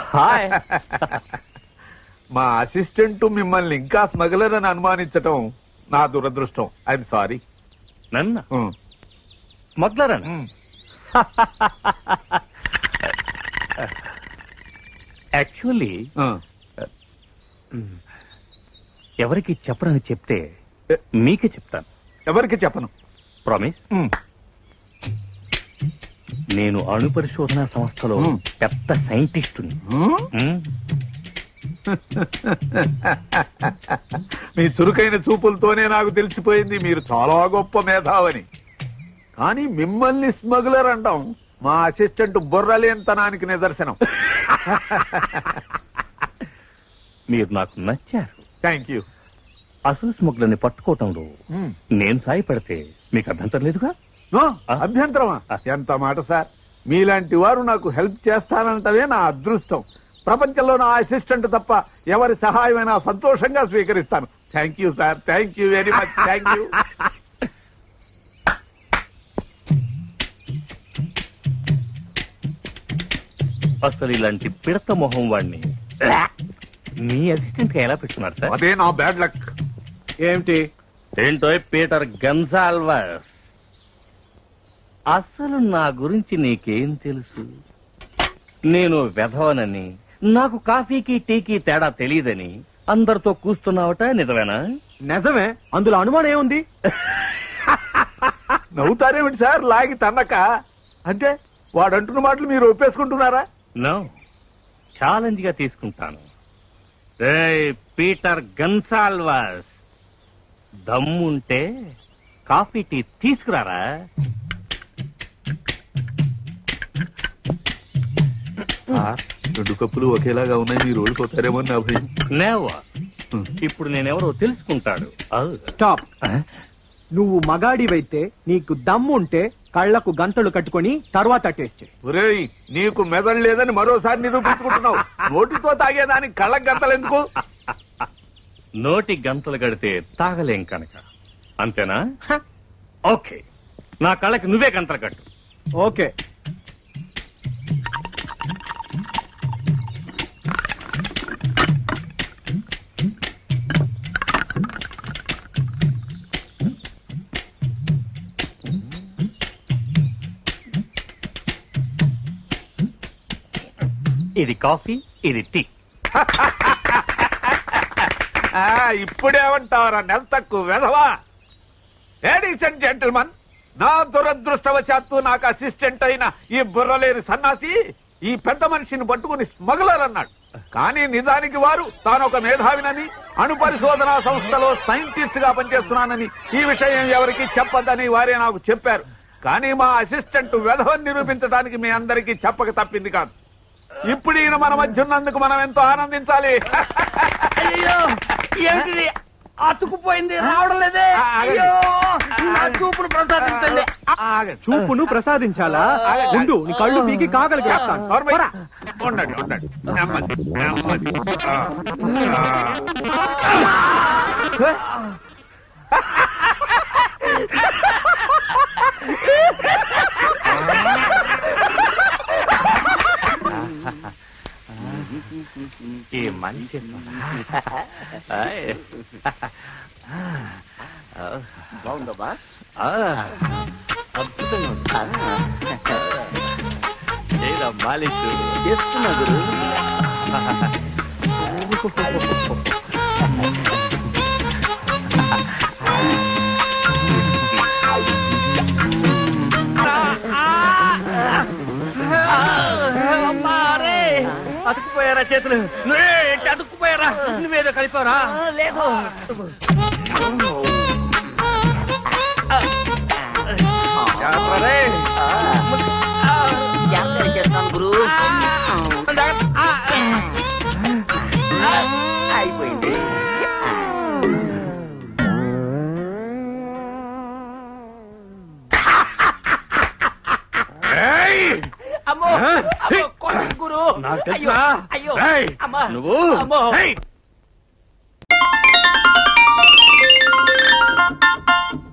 Hi. మా assistant మిమ్మల్ని ఇంకా స్మగ్లర్ అని అనుమానించటం నా దురదృష్టం. I'm sorry. నన్ను స్మగ్లర్ అని యాక్చువల్లీ ఎవరికి చెప్పరని చెప్తే మీకే చెప్తాను. ఎవరికి చెప్పను. ప్రామిస్. నేను అణు పరిశోధన సంస్థలో పెద్ద సైంటిస్టుని. మీ చురుకైన చూపులతోనే నాకు తెలిసిపోయింది మీరు చాలా గొప్ప మేధావని. కానీ మిమ్మల్ని స్మగ్లర్ అంటాం మా అసిస్టెంట్ బుర్రలేనితనానికి నిదర్శనం. మీరు నాకు నచ్చారు. Thank you. అసలు స్మగ్లర్ని పట్టుకోవటంలో నేను సాయపడితే మీకు అభ్యంతరం లేదుగా? అభ్యంతరమా? ఎంత మాట సార్. మీలాంటి వారు నాకు హెల్ప్ చేస్తానంటవే నా అదృష్టం. ప్రపంచంలో నా అసిస్టెంట్ తప్ప ఎవరి సహాయమైనా సంతోషంగా స్వీకరిస్తాను. Thank you sir. Thank you very much. Thank you. అసలు ఇలాంటి పిడత మొహం వాడిని మీ అసిస్టెంట్ గా ఎలా పెట్టుకున్నారు సార్? అదే నా బ్యాడ్ లక్. ఏమిటి? ఏంటో పీటర్ గన్సాల్వస్. అసలు నా గురించి నీకేం తెలుసు? నేను వెధవనని, నాకు కాఫీకి టీకి తేడా తెలియదని అందరితో కూస్తున్నావట. నిజమేనా? నిజమే. అందులో అనుమానం ఏముంది? నవ్వుతారేమిటి సార్ లాగి తన్నక? అంటే వాడంటున్న మాటలు మీరు ఒప్పేసుకుంటున్నారా? నో, ఛాలెంజ్ గా తీసుకుంటాను. పీటర్ గన్సాల్వస్, దమ్ముంటే కాఫీ టీ తీసుకురారా. రెండు కప్పులు ఒకేలాగా ఉన్నాయి, మీరు ఓడిపోతారేమో నా భయం. నేవా. ఇప్పుడు నేనెవరో తెలుసుకుంటాడు. స్టాప్. నువ్వు మగాడివైతే నీకు దమ్ము ఉంటే కళ్లకు గంతలు కట్టుకొని తర్వాత టేస్ట్ చేయి. ఒరేయ్, నీకు మెదడు లేదని మరోసారి నిరూపించుకుంటున్నావు. నోటితో తాగేదానికి కళ్ళకు గంతలు ఎందుకు? నోటి గంతలు గడితే తాగలేం కనుక. అంతేనా? ఓకే, నా కళ్ళకి నువ్వే గంతలు కట్టు. ఓకే. ఇది కాఫీ, ఇది టీ. ఇప్పుడేమంటావరా నెల తక్కువ వెధవా? లేడీస్ అండ్ జెంటిల్మన్, నా దురదృష్టవశాత్తు నాకు అసిస్టెంట్ అయిన ఈ బుర్రలేని సన్నాసి ఈ పెద్ద మనిషిని పట్టుకుని స్మగ్లర్ అన్నాడు. కానీ నిజానికి వారు తానొక మేధావినని, అణు పరిశోధనా సంస్థలో సైంటిస్ట్ గా పనిచేస్తున్నానని, ఈ విషయం ఎవరికి చెప్పొద్దని వారే నాకు చెప్పారు. కానీ మా అసిస్టెంట్ వెధవని నిరూపించడానికి మీ అందరికీ చెప్పక తప్పింది కాదు. ఇప్పుడు ఈయన మన మధ్య ఉన్నందుకు మనం ఎంతో ఆనందించాలి. అతుకుపోయింది, రావడం లేదే. చూపును ప్రసాదించండి. చూపును ప్రసాదించాలా? ఉండు, నీ కళ్ళు పీకి కాగలిగి ఉండండి ఉండండి. నెమ్మది నెమ్మది. ఈ మంచి బాగుందమ్మా. అద్భుతంగా మాలిష్ చేస్తున్నా గురు. అతుక్కుపోయారా చేతులు? అతుక్కుపోయారా? నువ్వేదో కలిపారా? లేదు. చేస్తాను గురు. అయిపోయింది. అమ్మో గురు. అయ్యో అమ్మా. నువ్వు అమ్మో.